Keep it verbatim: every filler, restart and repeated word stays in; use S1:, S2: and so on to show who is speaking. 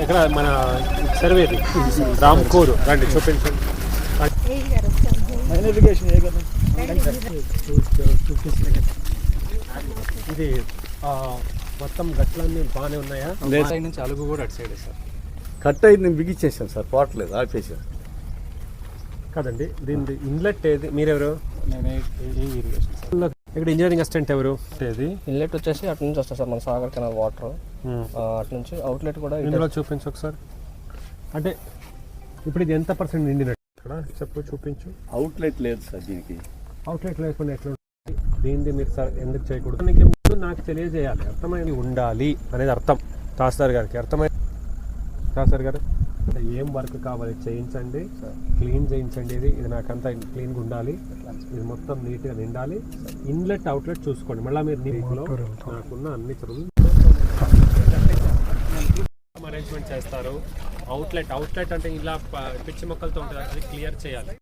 S1: ఇక్కడ మన సర్వేది రామ్కోరు రండి చూపించండి. ఇది మొత్తం గట్లన్నీ బాగానే ఉన్నాయా?
S2: సైడ్ నుంచి అలుగు కూడా అటు సైడ్ సార్
S3: కట్ అయింది, నేను బిగించేసాను సార్, పోవట్లేదు, ఆపేసాను
S1: కదండి. దీని ఇన్లెట్ ఏది? మీరెవరు?
S2: నేనే ఈ ఇరిగేషన్ సార్.
S1: ఇక్కడ ఇంజనీరింగ్ అసిస్టెంట్ ఎవరు? ఏది
S4: ఇన్లెట్ వచ్చేసి అటు నుంచి వస్తుంది సార్, మన సాగర్ కెనాల్ వాటర్ అటు నుంచి అవుట్లెట్ కూడా
S1: ఇందులో చూపించు ఒకసారి. అంటే ఇప్పుడు ఇది ఎంత పర్సెంట్ నిండినట్టు ఇక్కడ చెప్పు, చూపించు.
S3: అవుట్లెట్ లేదు సార్ దీనికి.
S1: అవుట్లెట్ లేకుండా ఎట్లా ఉంటుంది? దీనిది మీరు సార్ ఎందుకు చేయకూడదు? నీకు ముందు నాకు తెలియజేయాలి, అర్థమైంది ఉండాలి అనేది అర్థం. తహసీల్దార్ గారికి అర్థమైంది. తహసీల్దార్ గారు ఏం వర్క్ కావాలి చేయించండి, క్లీన్ చేయించండి. ఇది ఇది నాకంతా క్లీన్గా ఉండాలి, ఇది మొత్తం నీట్గా నిండాలి. ఇన్లెట్ అవుట్లెట్ చూసుకోండి. మళ్ళీ మీరు నీటిలో నాకున్న అన్ని చదువులు అరేంజ్మెంట్ చేస్తారు. అవుట్లెట్ అవుట్లెట్ అంటే ఇలా పిచ్చి మొక్కలతో ఉంటుంది, అది క్లియర్ చేయాలి.